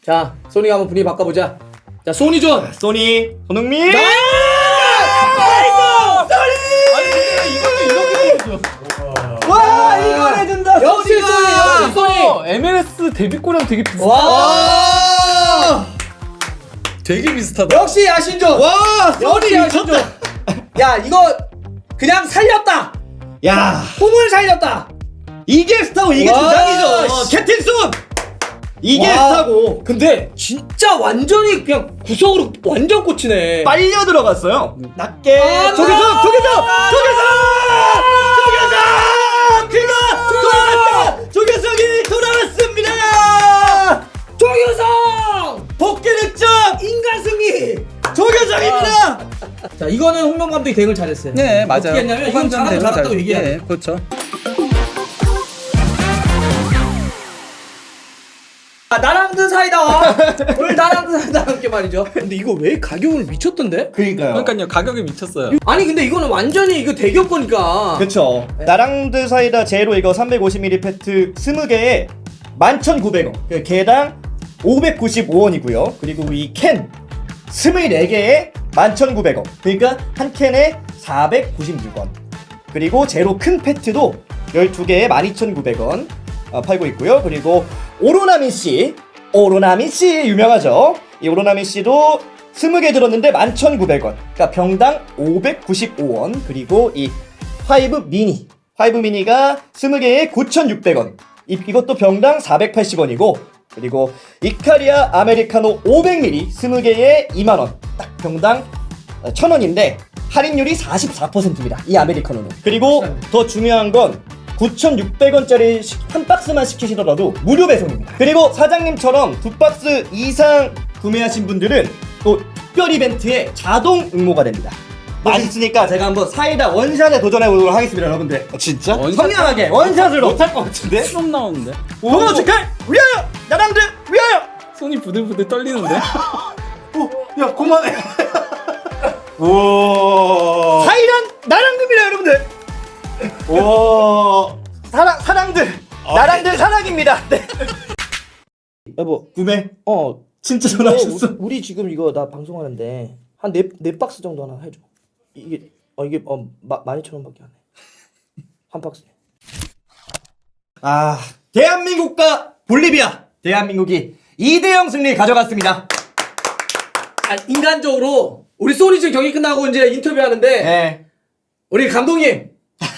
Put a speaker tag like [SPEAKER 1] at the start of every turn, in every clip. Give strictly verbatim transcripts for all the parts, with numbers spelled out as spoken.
[SPEAKER 1] 자, 소니가 한번 분위기 바꿔보자. 자, 소니존.
[SPEAKER 2] 소니 손흥민.
[SPEAKER 1] 나이스!
[SPEAKER 2] 아니 근데 이것도 이렇게 보여줘.
[SPEAKER 3] 와 이걸 해준다.
[SPEAKER 1] 역시 소니, 역시 소니.
[SPEAKER 4] 엠엘에스 데뷔골이랑 되게 비슷해.
[SPEAKER 1] 와!
[SPEAKER 4] 되게 비슷하다.
[SPEAKER 1] 역시 야신존.
[SPEAKER 2] 와
[SPEAKER 1] 역시 야신존. 야, 이거 그냥 살렸다.
[SPEAKER 2] 야
[SPEAKER 1] 폼을 살렸다.
[SPEAKER 2] 이게 스타고 이게
[SPEAKER 1] 와,
[SPEAKER 2] 주장이죠.
[SPEAKER 1] 씨.
[SPEAKER 2] 캡틴 손. 이게
[SPEAKER 1] 와.
[SPEAKER 2] 스타고
[SPEAKER 1] 근데 진짜 완전히 그냥 구석으로 완전 꽂히네.
[SPEAKER 2] 빨려 들어갔어요. 낮게
[SPEAKER 1] 아,
[SPEAKER 2] 조계성
[SPEAKER 1] 나-
[SPEAKER 2] 조계성 조계성 조계성 그가 돌아왔다. 조계성이 돌아왔습니다.
[SPEAKER 1] 조규성!
[SPEAKER 2] 복귀 득점
[SPEAKER 1] 인간 승리!
[SPEAKER 2] 조계성입니다.
[SPEAKER 1] 자, 이거는 홍명 감독이 대응을 잘했어요.
[SPEAKER 4] 네, 맞아요.
[SPEAKER 1] 어떻게 했냐면 이건 잘하고 잘했다고 얘기해야 돼.
[SPEAKER 4] 네, 그렇죠.
[SPEAKER 1] 아, 나랑 든 사이다. 오늘 나랑 든 사이다 함께 말이죠. 근데 이거 왜 가격을 미쳤던데?
[SPEAKER 2] 그러니까요.
[SPEAKER 4] 그러니까요, 가격이 미쳤어요.
[SPEAKER 1] 아니 근데 이거는 완전히 이거 대기업 거니까.
[SPEAKER 2] 그쵸. 나랑드 사이다 제로 이거 삼백오십 밀리리터 페트 이십 개에 만 천구백 원. 그 개당 오백구십오 원이고요. 그리고 이 캔 스물네 개에 만 천구백 원. 그러니까 한 캔에 사백구십육 원. 그리고 제로 큰 페트도 열두 개에 만 이천구백 원 어, 팔고 있고요. 그리고 오로나민 씨, 오로나민 씨 유명하죠. 이 오로나민 씨도 이십 개 들었는데 만 천구백 원. 그러니까 병당 오백구십오 원. 그리고 이 파이브 미니, 파이브 미니가 이십 개에 구천육백 원. 이, 이것도 병당 사백팔십 원이고, 그리고 이카리아 아메리카노 오백 밀리리터 이십 개에 이만 원. 딱 병당 천 원인데 할인율이 사십사 퍼센트입니다. 이 아메리카노는. 그리고 더 중요한 건 구천육백 원짜리 한 박스만 시키시더라도 무료 배송입니다. 그리고 사장님처럼 두 박스 이상 구매하신 분들은 또 특별 이벤트에 자동 응모가 됩니다. 맛있으니까 제가 한번 사이다 원샷에 도전해보도록 하겠습니다, 여러분들.
[SPEAKER 3] 진짜?
[SPEAKER 4] 원샷?
[SPEAKER 2] 성량하게 원샷으로.
[SPEAKER 3] 못할 것 같은데?
[SPEAKER 4] 수업 나오는데?
[SPEAKER 2] 동원 축할 위하여! 나랑들 위하여!
[SPEAKER 4] 손이 부들부들 떨리는데?
[SPEAKER 3] 오, 야 그만해. 오.
[SPEAKER 2] 사이란 나랑들입니다, 여러분들.
[SPEAKER 3] 오.
[SPEAKER 2] 사랑 사랑들 나랑들 사랑입니다. 네.
[SPEAKER 1] 여보,
[SPEAKER 2] 구매.
[SPEAKER 1] 어,
[SPEAKER 2] 진짜
[SPEAKER 1] 어,
[SPEAKER 2] 전화하셨어.
[SPEAKER 1] 우리, 우리 지금 이거 나 방송하는데 한 네 네 박스 정도 하나 해줘. 이게 어 이게 어 만 이천 원밖에 안 해. 한 박스.
[SPEAKER 2] 아, 대한민국과 볼리비아. 대한민국이 이 대 영 승리 가져갔습니다.
[SPEAKER 1] 아, 인간적으로 우리 소니 지금 경기 끝나고 이제 인터뷰하는데
[SPEAKER 2] 네.
[SPEAKER 1] 우리 감독님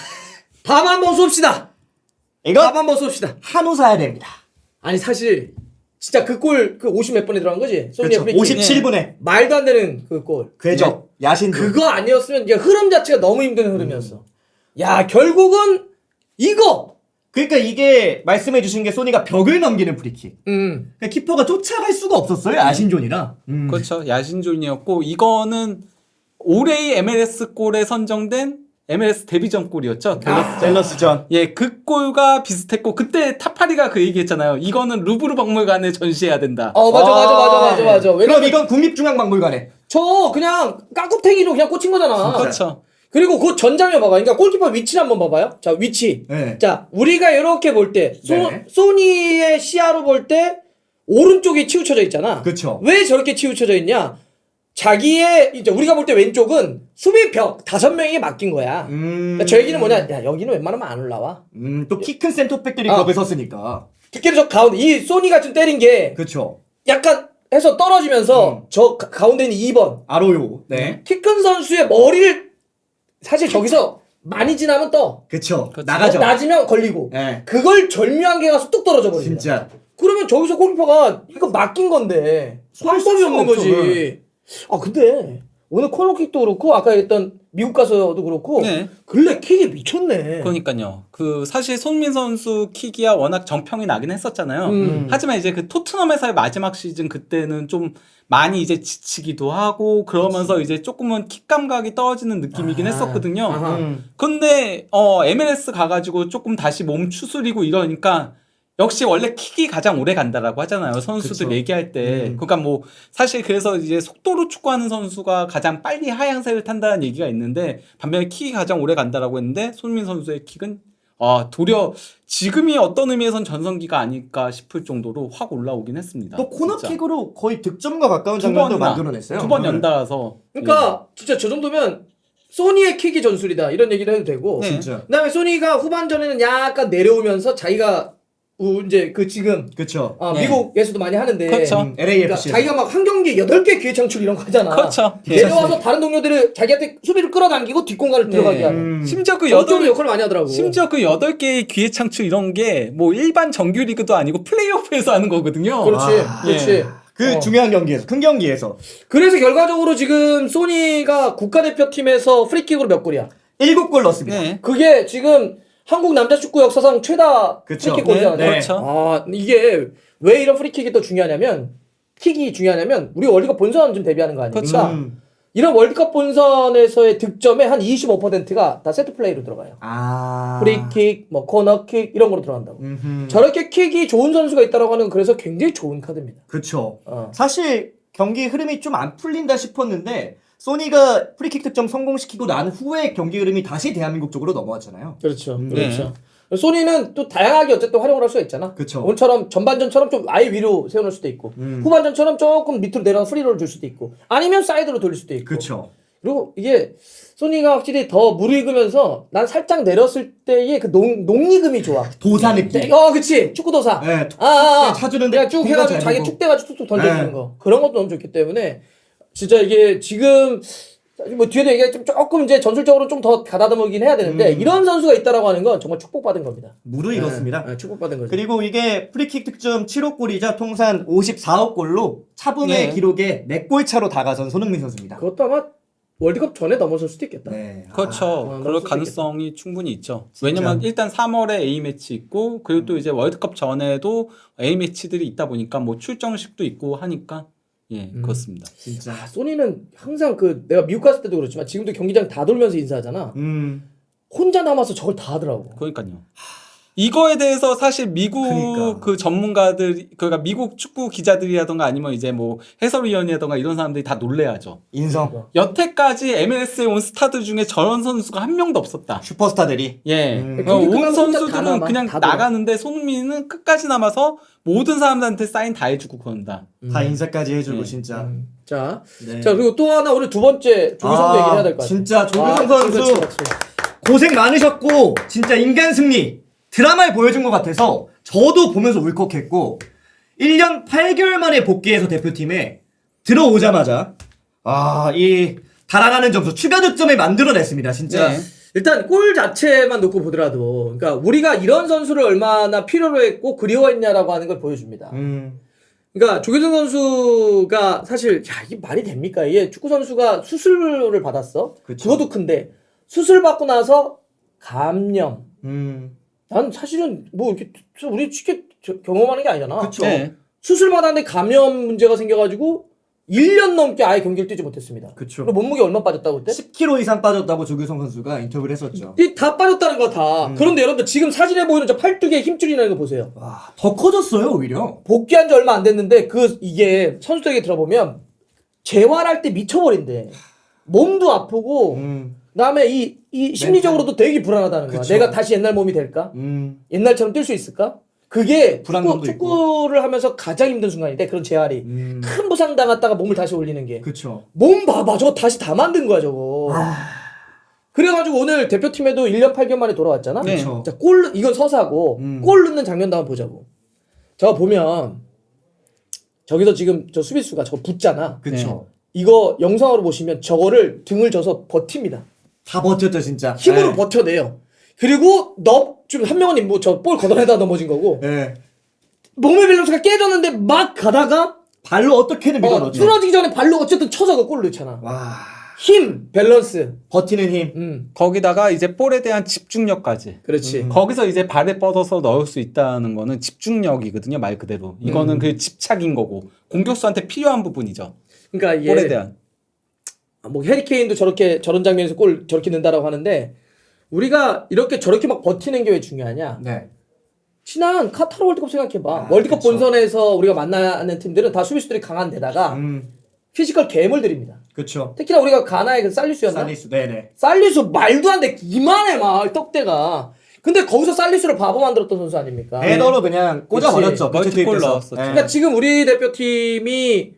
[SPEAKER 1] 밥 한번 쏩시다.
[SPEAKER 2] 이거
[SPEAKER 1] 밥 한번 쏩시다.
[SPEAKER 2] 한우 사야 됩니다.
[SPEAKER 1] 아니 사실 진짜 그 골 그 오십 몇 분에 들어간 거지? 소니
[SPEAKER 2] 그렇죠.
[SPEAKER 1] 프리킥.
[SPEAKER 2] 오십칠 분에
[SPEAKER 1] 말도 안 되는 그 골.
[SPEAKER 2] 궤적 야신
[SPEAKER 1] 그거 아니었으면 이게 흐름 자체가 너무 힘든 흐름이었어. 야, 결국은 이거.
[SPEAKER 2] 그러니까 이게 말씀해 주신 게 소니가 벽을 넘기는 프리킥.
[SPEAKER 1] 음.
[SPEAKER 2] 그러니까 키퍼가 쫓아갈 수가 없었어요. 야신존이라. 음.
[SPEAKER 4] 그렇죠. 야신존이었고, 이거는 올해의 엠엘에스 골에 선정된 엠엘에스 데뷔전 골이었죠. 갤러스.
[SPEAKER 2] 젤러스전.
[SPEAKER 4] 예, 그 골과 비슷했고, 그때 타파리가 그 얘기했잖아요. 이거는 루브르 박물관에 전시해야 된다.
[SPEAKER 1] 어, 맞아, 맞아, 맞아, 맞아, 맞아.
[SPEAKER 2] 그럼
[SPEAKER 1] 왜냐면
[SPEAKER 2] 이건 국립중앙박물관에.
[SPEAKER 1] 저 그냥 깍구탱이로 그냥 꽂힌 거잖아.
[SPEAKER 4] 그렇죠.
[SPEAKER 1] 그리고 그 전장면 봐봐. 그러니까 골키퍼 위치를 한번 봐봐요. 자, 위치.
[SPEAKER 2] 네.
[SPEAKER 1] 자, 우리가 이렇게 볼 때, 소,
[SPEAKER 2] 네.
[SPEAKER 1] 소니의 시야로 볼 때, 오른쪽이 치우쳐져 있잖아.
[SPEAKER 2] 그쵸.
[SPEAKER 1] 왜 저렇게 치우쳐져 있냐? 자기의, 이제 우리가 볼 때 왼쪽은 수비벽 다섯 명이 맡긴 거야.
[SPEAKER 2] 음.
[SPEAKER 1] 그러니까 저 얘기는 뭐냐? 야, 여기는 웬만하면 안 올라와.
[SPEAKER 2] 음, 또 키 큰 센터백들이
[SPEAKER 1] 어.
[SPEAKER 2] 거기에 섰으니까.
[SPEAKER 1] 특히 저 가운데, 이 소니 같은 때린 게,
[SPEAKER 2] 그쵸.
[SPEAKER 1] 약간 해서 떨어지면서,
[SPEAKER 2] 음.
[SPEAKER 1] 저 가- 가운데 있는 이 번.
[SPEAKER 2] 아로요. 네.
[SPEAKER 1] 키 큰 선수의 머리를, 사실 저기서 많이 지나면 떠.
[SPEAKER 2] 그쵸.
[SPEAKER 4] 그쵸.
[SPEAKER 2] 나가죠.
[SPEAKER 1] 낮으면 걸리고.
[SPEAKER 2] 네.
[SPEAKER 1] 그걸 절묘한 게 가서 뚝 떨어져 버린다.
[SPEAKER 2] 진짜.
[SPEAKER 1] 그러면 저기서 골키퍼가 이거 맡긴 건데 방법이 없는
[SPEAKER 2] 없죠,
[SPEAKER 1] 거지. 아 근데 오늘 코너킥도 그렇고 아까 했던 미국 가서도 그렇고
[SPEAKER 4] 네.
[SPEAKER 1] 근래 킥이 미쳤네.
[SPEAKER 4] 그러니까요. 그 사실 손민 선수 킥이야 워낙 정평이 나긴 했었잖아요.
[SPEAKER 1] 음.
[SPEAKER 4] 하지만 이제 그 토트넘에서의 마지막 시즌 그때는 좀 많이 이제 지치기도 하고 그러면서 그치. 이제 조금은 킥 감각이 떨어지는 느낌이긴
[SPEAKER 1] 아,
[SPEAKER 4] 했었거든요.
[SPEAKER 1] 아하.
[SPEAKER 2] 음.
[SPEAKER 4] 근데 어 엠엘에스 가가지고 조금 다시 몸 추스리고 이러니까 역시 원래 킥이 가장 오래 간다라고 하잖아요. 선수들
[SPEAKER 2] 그쵸.
[SPEAKER 4] 얘기할 때.
[SPEAKER 2] 음.
[SPEAKER 4] 그러니까 뭐 사실 그래서 이제 속도로 축구하는 선수가 가장 빨리 하향세를 탄다는 얘기가 있는데 반면에 킥이 가장 오래 간다라고 했는데 손민 선수의 킥은 아, 도리어 지금이 어떤 의미에선 전성기가 아닐까 싶을 정도로 확 올라오긴 했습니다.
[SPEAKER 2] 또
[SPEAKER 4] 진짜.
[SPEAKER 2] 코너킥으로 거의 득점과 가까운
[SPEAKER 4] 두
[SPEAKER 2] 장면도
[SPEAKER 4] 번이나,
[SPEAKER 2] 만들어냈어요.
[SPEAKER 4] 두 번
[SPEAKER 2] 네.
[SPEAKER 4] 연달아서.
[SPEAKER 1] 그러니까 진짜 저 정도면 소니의 킥이 전술이다 이런 얘기를 해도 되고.
[SPEAKER 4] 네.
[SPEAKER 2] 진짜.
[SPEAKER 1] 그다음에 소니가 후반전에는 약간 내려오면서 자기가 우- 이제 그 지금
[SPEAKER 2] 그쵸.
[SPEAKER 1] 어,
[SPEAKER 4] 네.
[SPEAKER 1] 미국에서도 많이 하는데
[SPEAKER 4] 그렇죠.
[SPEAKER 2] 음,
[SPEAKER 1] 그러니까
[SPEAKER 2] 엘에이에프씨.
[SPEAKER 1] 자기가 막 한 경기에 여덟 개 기회 창출 이런 거 하잖아.
[SPEAKER 4] 그렇죠. 예.
[SPEAKER 1] 내려와서 다른 동료들을 자기한테 수비를 끌어당기고 뒷공간을
[SPEAKER 4] 네.
[SPEAKER 1] 들어가게 하는.
[SPEAKER 2] 음.
[SPEAKER 4] 심지어 그
[SPEAKER 1] 여덟
[SPEAKER 4] 여덟
[SPEAKER 1] 역할을 많이 하더라고.
[SPEAKER 4] 심지어 그 여덟 개의 기회 창출 이런 게 뭐 일반 정규 리그도 아니고 플레이오프에서 하는 거거든요.
[SPEAKER 1] 그렇지,
[SPEAKER 2] 아,
[SPEAKER 1] 그렇지.
[SPEAKER 4] 예.
[SPEAKER 2] 그
[SPEAKER 1] 어.
[SPEAKER 2] 중요한 경기에서, 큰 경기에서.
[SPEAKER 1] 그래서 결과적으로 지금 소니가 국가대표팀에서 프리킥으로 몇 골이야?
[SPEAKER 2] 일곱 골 넣었습니다.
[SPEAKER 4] 네.
[SPEAKER 1] 그게 지금 한국 남자 축구 역사상 최다
[SPEAKER 2] 그쵸.
[SPEAKER 1] 프리킥 골이잖아.
[SPEAKER 2] 네,
[SPEAKER 4] 그렇죠.
[SPEAKER 1] 아, 이게 왜 이런 프리킥이 또 중요하냐면 킥이 중요하냐면 우리 월드컵 본선 좀 대비하는 거 아닙니까?
[SPEAKER 4] 그렇죠.
[SPEAKER 2] 음.
[SPEAKER 1] 이런 월드컵 본선에서의 득점의 한 이십오 퍼센트가 다 세트 플레이로 들어가요.
[SPEAKER 2] 아.
[SPEAKER 1] 프리킥, 뭐 코너킥 이런 거로 들어간다고.
[SPEAKER 2] 음흠.
[SPEAKER 1] 저렇게 킥이 좋은 선수가 있다라고 하는 건 그래서 굉장히 좋은 카드입니다.
[SPEAKER 2] 그쵸.
[SPEAKER 1] 어.
[SPEAKER 2] 사실 경기 흐름이 좀 안 풀린다 싶었는데 소니가 프리킥 득점 성공시키고 난 후에 경기 흐름이 다시 대한민국 쪽으로 넘어왔잖아요.
[SPEAKER 1] 그렇죠.
[SPEAKER 2] 음,
[SPEAKER 1] 그렇죠. 소니는 또 다양하게 어쨌든 활용을 할 수가 있잖아.
[SPEAKER 2] 그쵸.
[SPEAKER 1] 오늘처럼 전반전처럼 좀 아예 위로 세워놓을 수도 있고
[SPEAKER 2] 음.
[SPEAKER 1] 후반전처럼 조금 밑으로 내려가 프리롤을 줄 수도 있고 아니면 사이드로 돌릴 수도 있고.
[SPEAKER 2] 그쵸.
[SPEAKER 1] 그리고 이게 소니가 확실히 더 무르익으면서 난 살짝 내렸을 때의 그 농, 농익음이 좋아.
[SPEAKER 2] 도사 느낌.
[SPEAKER 1] 어, 그치. 축구도사.
[SPEAKER 2] 네, 툭,
[SPEAKER 1] 아, 아, 아.
[SPEAKER 2] 툭 차주는데
[SPEAKER 1] 그냥 쭉
[SPEAKER 2] 공간
[SPEAKER 1] 해가지고
[SPEAKER 2] 잘
[SPEAKER 1] 자기
[SPEAKER 2] 보고.
[SPEAKER 1] 툭 대가지고 툭툭 던져주는
[SPEAKER 2] 네.
[SPEAKER 1] 거. 그런 것도 너무 좋기 때문에 진짜 이게 지금 뭐 뒤에도 얘기가 좀 조금 이제 전술적으로 좀 더 가다듬긴 해야 되는데
[SPEAKER 2] 음.
[SPEAKER 1] 이런 선수가 있다라고 하는 건 정말 축복받은 겁니다.
[SPEAKER 2] 무르익었습니다.
[SPEAKER 1] 네, 네, 축복받은 거죠.
[SPEAKER 2] 그리고 이게 프리킥 득점 칠억 골이자 통산 오십사억 골로 차붐의
[SPEAKER 4] 네.
[SPEAKER 2] 기록에 네 골 차로 다가선 손흥민 선수입니다.
[SPEAKER 1] 그것도 아마 월드컵 전에 넘어설 수도 있겠다.
[SPEAKER 2] 네.
[SPEAKER 4] 그렇죠.
[SPEAKER 1] 아,
[SPEAKER 4] 그럴
[SPEAKER 1] 너무
[SPEAKER 4] 가능성이 충분히 있죠.
[SPEAKER 2] 진짜.
[SPEAKER 4] 왜냐면 일단 삼월에 A 매치 있고 그리고 또 이제 월드컵 전에도 A 매치들이 있다 보니까 뭐 출정식도 있고 하니까 예
[SPEAKER 1] 음.
[SPEAKER 4] 그렇습니다.
[SPEAKER 2] 진짜.
[SPEAKER 1] 아, 소니는 항상 그 내가 미국 갔을 때도 그렇지만 지금도 경기장 다 돌면서 인사하잖아.
[SPEAKER 2] 음.
[SPEAKER 1] 혼자 남아서 저걸 다 하더라고.
[SPEAKER 4] 그러니까요. 이거에 대해서 사실 미국
[SPEAKER 2] 그러니까.
[SPEAKER 4] 그 전문가들 그러니까 미국 축구 기자들이라던가 아니면 이제 뭐 해설위원이라던가 이런 사람들이 다 놀래야죠.
[SPEAKER 2] 인성.
[SPEAKER 4] 여태까지 엠엘에스에 온 스타들 중에 저런 선수가 한 명도 없었다.
[SPEAKER 2] 슈퍼스타들이.
[SPEAKER 4] 예.
[SPEAKER 2] 음.
[SPEAKER 4] 그러니까
[SPEAKER 1] 경기
[SPEAKER 4] 온
[SPEAKER 1] 끝나면 혼자 다
[SPEAKER 4] 선수들은
[SPEAKER 1] 남아.
[SPEAKER 4] 그냥
[SPEAKER 1] 다 돌아.
[SPEAKER 4] 나가는데 손흥민은 끝까지 남아서 모든 사람들한테 사인 다 해주고 그런다.
[SPEAKER 2] 다 인사까지 해주고
[SPEAKER 4] 네.
[SPEAKER 2] 진짜.
[SPEAKER 1] 음. 자,
[SPEAKER 2] 네.
[SPEAKER 1] 자 그리고 또 하나 오늘 두 번째 조규성도 얘기를 해야 될 것 같아.
[SPEAKER 2] 진짜 조규성
[SPEAKER 1] 아,
[SPEAKER 2] 선수
[SPEAKER 1] 그렇지, 그렇지.
[SPEAKER 2] 고생 많으셨고 진짜 인간 승리 드라마에 보여준 것 같아서 저도 보면서 울컥했고 일 년 팔 개월 만에 복귀해서 대표팀에 들어오자마자 아 이 달아나는 점수 추가 득점을 만들어냈습니다 진짜.
[SPEAKER 4] 네.
[SPEAKER 1] 일단 골 자체만 놓고 보더라도 그러니까 우리가 이런 선수를 얼마나 필요로 했고 그리워했냐라고 하는 걸 보여줍니다.
[SPEAKER 2] 음.
[SPEAKER 1] 그러니까 조규성 선수가 사실 야 이게 말이 됩니까? 이게 축구 선수가 수술을 받았어.
[SPEAKER 2] 그쵸.
[SPEAKER 1] 그것도 큰데 수술 받고 나서 감염.
[SPEAKER 2] 음.
[SPEAKER 1] 난 사실은 뭐 이렇게 우리 쉽게 저- 경험하는 게 아니잖아.
[SPEAKER 2] 그쵸.
[SPEAKER 4] 네.
[SPEAKER 1] 수술 받았는데 감염 문제가 생겨가지고 일 년 넘게 아예 경기를 뛰지 못했습니다.
[SPEAKER 2] 그쵸.
[SPEAKER 1] 그리고 몸무게 얼마 빠졌다고 그때?
[SPEAKER 2] 십 킬로그램 이상 빠졌다고 조규성 선수가 인터뷰를 했었죠.
[SPEAKER 1] 이 다 빠졌다는 거 다.
[SPEAKER 2] 음.
[SPEAKER 1] 그런데 여러분들 지금 사진에 보이는 저 팔뚝에 힘줄이 나는 거 보세요.
[SPEAKER 2] 와, 더 커졌어요 오히려.
[SPEAKER 1] 복귀한 지 얼마 안 됐는데 그 이게 선수들에게 들어보면 재활할 때 미쳐버린대. 몸도 아프고
[SPEAKER 2] 음.
[SPEAKER 1] 그다음에 이, 이 심리적으로도 되게 불안하다는 거야.
[SPEAKER 2] 그쵸.
[SPEAKER 1] 내가 다시 옛날 몸이 될까?
[SPEAKER 2] 음.
[SPEAKER 1] 옛날처럼 뛸 수 있을까? 그게 축구,
[SPEAKER 2] 불안감도 있고.
[SPEAKER 1] 축구를 하면서 가장 힘든 순간인데 그런 재활이
[SPEAKER 2] 음.
[SPEAKER 1] 큰 부상 당했다가 몸을 다시 올리는 게.
[SPEAKER 2] 그쵸.
[SPEAKER 1] 몸 봐봐 저거 다시 다 만든 거야 저거. 그래가지고 오늘 대표팀에도 일 년 팔 개월 만에 돌아왔잖아.
[SPEAKER 4] 네.
[SPEAKER 2] 그쵸.
[SPEAKER 1] 자, 골 이건 서사고
[SPEAKER 2] 음.
[SPEAKER 1] 골 넣는 장면도 한번 보자고. 저거 보면 저기서 지금 저 수비수가 저거 붙잖아.
[SPEAKER 2] 그쵸.
[SPEAKER 1] 이거 영상으로 보시면 저거를 등을 져서 버팁니다.
[SPEAKER 2] 다 버텼죠 진짜.
[SPEAKER 1] 힘으로
[SPEAKER 2] 네.
[SPEAKER 1] 버텨내요. 그리고 너좀한 명은 뭐 저 볼 걷어내다 넘어진 거고
[SPEAKER 2] 네.
[SPEAKER 1] 몸의 밸런스가 깨졌는데 막 가다가
[SPEAKER 2] 발로 어떻게든 밀어
[SPEAKER 1] 어,
[SPEAKER 2] 넣죠.
[SPEAKER 1] 쓰러지기 전에 발로 어쨌든 쳐서 그 골을 넣잖아.
[SPEAKER 2] 와.
[SPEAKER 1] 힘, 밸런스.
[SPEAKER 2] 버티는 힘.
[SPEAKER 1] 음,
[SPEAKER 4] 거기다가 이제 볼에 대한 집중력까지.
[SPEAKER 1] 그렇지.
[SPEAKER 2] 음.
[SPEAKER 4] 거기서 이제 발에 뻗어서 넣을 수 있다는 거는 집중력이거든요, 말 그대로. 이거는
[SPEAKER 1] 음.
[SPEAKER 4] 그 집착인 거고 공격수한테 필요한 부분이죠.
[SPEAKER 1] 그러니까 이게
[SPEAKER 4] 볼에 대한.
[SPEAKER 1] 뭐 해리케인도 저렇게 저런 장면에서 골 저렇게 넣는다라고 하는데 우리가 이렇게 저렇게 막 버티는 게 왜 중요하냐?
[SPEAKER 2] 네.
[SPEAKER 1] 지난 카타르 월드컵 생각해봐.
[SPEAKER 2] 아,
[SPEAKER 1] 월드컵
[SPEAKER 2] 그쵸.
[SPEAKER 1] 본선에서 우리가 만나는 팀들은 다 수비수들이 강한 데다가
[SPEAKER 2] 음.
[SPEAKER 1] 피지컬 괴물들입니다.
[SPEAKER 2] 그쵸.
[SPEAKER 1] 특히나 우리가 가나의 그 살리수였나?
[SPEAKER 2] 살리수. 네네.
[SPEAKER 1] 살리수 말도 안 돼. 이만해 막 떡대가. 근데 거기서 살리스를 바보 만들었던 선수 아닙니까?
[SPEAKER 2] 헤더로 그냥 꽂아버렸죠.
[SPEAKER 4] 그치. 멀티골
[SPEAKER 2] 투입돼서.
[SPEAKER 4] 넣었었죠.
[SPEAKER 2] 예.
[SPEAKER 1] 그러니까 지금 우리 대표팀이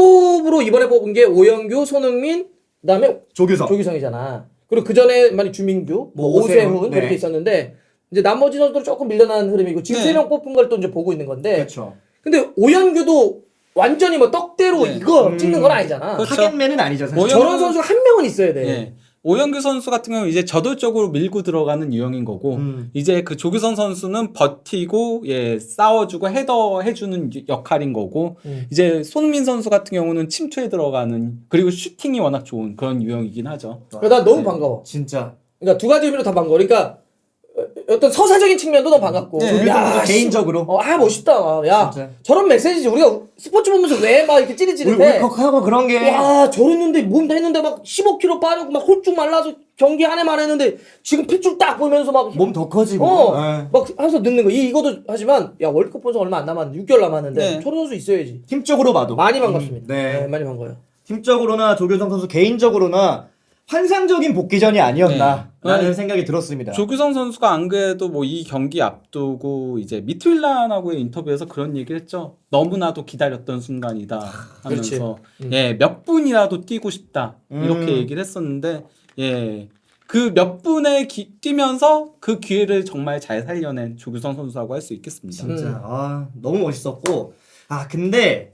[SPEAKER 1] 톱으로 이번에 뽑은 게 오영규, 손흥민, 그다음에
[SPEAKER 2] 조규성.
[SPEAKER 1] 조규성이잖아. 그리고 그 전에 많이 주민규, 뭐
[SPEAKER 2] 오세훈,
[SPEAKER 1] 오세훈
[SPEAKER 2] 네.
[SPEAKER 1] 이렇게 있었는데 이제 나머지 선수들 조금 밀려나는 흐름이고 지금
[SPEAKER 4] 네.
[SPEAKER 1] 세 명 뽑은 걸 또 이제 보고 있는 건데.
[SPEAKER 2] 그렇죠.
[SPEAKER 1] 근데 오영규도 완전히 뭐 떡대로
[SPEAKER 4] 네.
[SPEAKER 1] 이거
[SPEAKER 2] 음.
[SPEAKER 1] 찍는 건 아니잖아.
[SPEAKER 4] 그렇죠.
[SPEAKER 2] 타겟맨은 아니죠. 사실.
[SPEAKER 4] 오영-
[SPEAKER 1] 저런 선수가 한 명은 있어야 돼.
[SPEAKER 4] 예. 오영규 선수 같은 경우는 이제 저돌적으로 밀고 들어가는 유형인 거고
[SPEAKER 2] 음.
[SPEAKER 4] 이제 그 조규성 선수는 버티고 예 싸워주고 헤더 해주는 역할인 거고
[SPEAKER 1] 음.
[SPEAKER 4] 이제 손흥민 선수 같은 경우는 침투에 들어가는 그리고 슈팅이 워낙 좋은 그런 유형이긴 하죠.
[SPEAKER 1] 그러니까 난 너무
[SPEAKER 4] 네.
[SPEAKER 1] 반가워.
[SPEAKER 2] 진짜.
[SPEAKER 1] 그러니까 두 가지 의미로 다 반가워. 그러니까 어, 어떤 서사적인 측면도 너무 반갑고.
[SPEAKER 4] 네.
[SPEAKER 2] 조규성
[SPEAKER 1] 야,
[SPEAKER 2] 선수
[SPEAKER 1] 씨.
[SPEAKER 2] 개인적으로.
[SPEAKER 1] 어, 아 멋있다. 야
[SPEAKER 2] 진짜.
[SPEAKER 1] 저런 메시지지. 우리가 스포츠 보면서 왜 막 이렇게 찌릿찌릿해.
[SPEAKER 2] 울컥하고 그런 게.
[SPEAKER 1] 와 저랬는데 몸 다 했는데 막 십오 킬로그램 빠르고 막 홀쭉 말라서 경기 한 해만 했는데 지금 핏줄 딱 보면서 막
[SPEAKER 2] 몸 더 커지고.
[SPEAKER 1] 어,
[SPEAKER 2] 예.
[SPEAKER 1] 막 하면서 늦는 거. 이 이거도 하지만 야 월드컵 본선 얼마 안 남았는데 육 개월 남았는데
[SPEAKER 4] 네.
[SPEAKER 1] 저런 선수 있어야지.
[SPEAKER 2] 팀적으로 봐도.
[SPEAKER 1] 많이 반갑습니다.
[SPEAKER 2] 음, 네.
[SPEAKER 1] 네, 많이 반가워요.
[SPEAKER 2] 팀적으로나 조규성 선수 개인적으로나 환상적인 복귀전이 아니었나
[SPEAKER 4] 네.
[SPEAKER 2] 라는
[SPEAKER 4] 네.
[SPEAKER 2] 생각이 들었습니다.
[SPEAKER 4] 조규성 선수가 안 그래도 뭐 이 경기 앞두고 이제 미트윌란하고의 인터뷰에서 그런 얘기를 했죠. 너무나도 기다렸던 순간이다 하면서
[SPEAKER 1] 음.
[SPEAKER 4] 예, 몇 분이라도 뛰고 싶다 이렇게
[SPEAKER 2] 음.
[SPEAKER 4] 얘기를 했었는데 예. 그 몇 분에 기- 뛰면서 그 기회를 정말 잘 살려낸 조규성 선수라고 할 수 있겠습니다.
[SPEAKER 1] 음.
[SPEAKER 2] 진짜 아, 너무 멋있었고 아 근데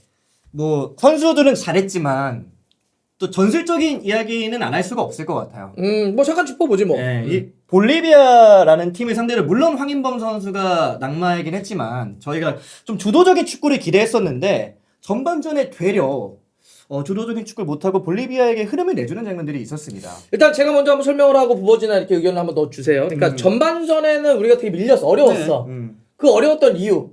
[SPEAKER 2] 뭐 선수들은 잘했지만 또 전술적인 이야기는 안 할 수가 없을 것 같아요.
[SPEAKER 1] 음, 뭐 잠깐 짚어보지 뭐.
[SPEAKER 2] 네,
[SPEAKER 1] 음.
[SPEAKER 2] 이 볼리비아라는 팀을 상대로 물론 황인범 선수가 낙마이긴 했지만 저희가 좀 주도적인 축구를 기대했었는데 전반전에 되려 어, 주도적인 축구를 못하고 볼리비아에게 흐름을 내주는 장면들이 있었습니다.
[SPEAKER 1] 일단 제가 먼저 한번 설명을 하고 부버지나 이렇게 의견을 한번 넣어주세요. 그러니까
[SPEAKER 2] 음.
[SPEAKER 1] 전반전에는 우리가 되게 밀려서 어려웠어.
[SPEAKER 2] 음,
[SPEAKER 1] 그 어려웠던 이유.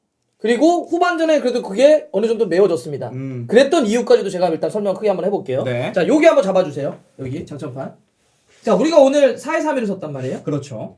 [SPEAKER 1] 그리고 후반전에 그래도 그게 어느 정도 메워졌습니다.
[SPEAKER 2] 음.
[SPEAKER 1] 그랬던 이유까지도 제가 일단 설명 크게 한번 해볼게요.
[SPEAKER 2] 네.
[SPEAKER 1] 자, 여기 한번 잡아주세요. 여기 장점판. 자, 우리가 오늘 사 일 삼 일을 썼단 말이에요.
[SPEAKER 2] 그렇죠.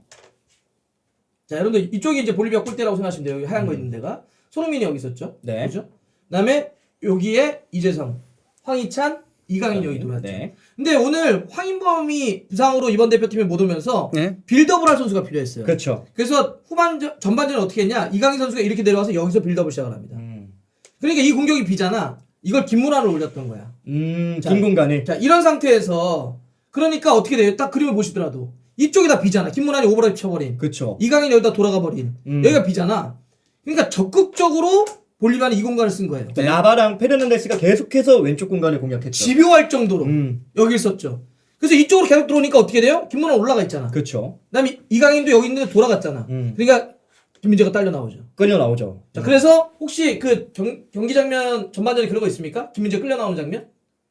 [SPEAKER 1] 자, 여러분들 이쪽이 이제 볼리비아 골대라고 생각하시면 돼요. 여기 하얀 거 있는 데가. 손흥민이 여기 있었죠.
[SPEAKER 2] 네.
[SPEAKER 1] 그죠? 그다음에 여기에 이재성, 황희찬, 이강인 여기 들어왔죠.
[SPEAKER 2] 네.
[SPEAKER 1] 근데 오늘 황인범이 부상으로 이번 대표팀에 못 오면서
[SPEAKER 4] 네.
[SPEAKER 1] 빌드업을 할 선수가 필요했어요.
[SPEAKER 2] 그렇죠.
[SPEAKER 1] 그래서 후반전 전반전에 어떻게 했냐? 이강인 선수가 이렇게 내려와서 여기서 빌드업을 시작을 합니다.
[SPEAKER 2] 음,
[SPEAKER 1] 그러니까 이 공격이 비잖아. 이걸 김문환을 올렸던 거야.
[SPEAKER 2] 음
[SPEAKER 1] 자,
[SPEAKER 2] 긴 공간에.
[SPEAKER 1] 자, 이런 상태에서 그러니까 어떻게 돼요? 딱 그림을 보시더라도 이쪽이 다 비잖아. 김문환이 오버랩 쳐버린.
[SPEAKER 2] 그렇죠.
[SPEAKER 1] 이강인이 여기다 돌아가 버린.
[SPEAKER 2] 음.
[SPEAKER 1] 여기가 비잖아. 그러니까 적극적으로 볼리비아는 이 공간을 쓴 거예요.
[SPEAKER 2] 라바랑 페르난데스가 계속해서 왼쪽 공간을 공략했죠.
[SPEAKER 1] 집요할 정도로
[SPEAKER 2] 음,
[SPEAKER 1] 여기 있었죠. 그래서 이쪽으로 계속 들어오니까 어떻게 돼요? 김문환 올라가 있잖아.
[SPEAKER 2] 그렇죠.
[SPEAKER 1] 그다음에 이강인도 여기 있는데 돌아갔잖아.
[SPEAKER 2] 음.
[SPEAKER 1] 그러니까 김민재가 딸려 나오죠.
[SPEAKER 2] 끌려 나오죠.
[SPEAKER 1] 자, 그래서 혹시 그 경, 경기 장면 전반전에 그런 거 있습니까? 김민재 끌려 나오는 장면?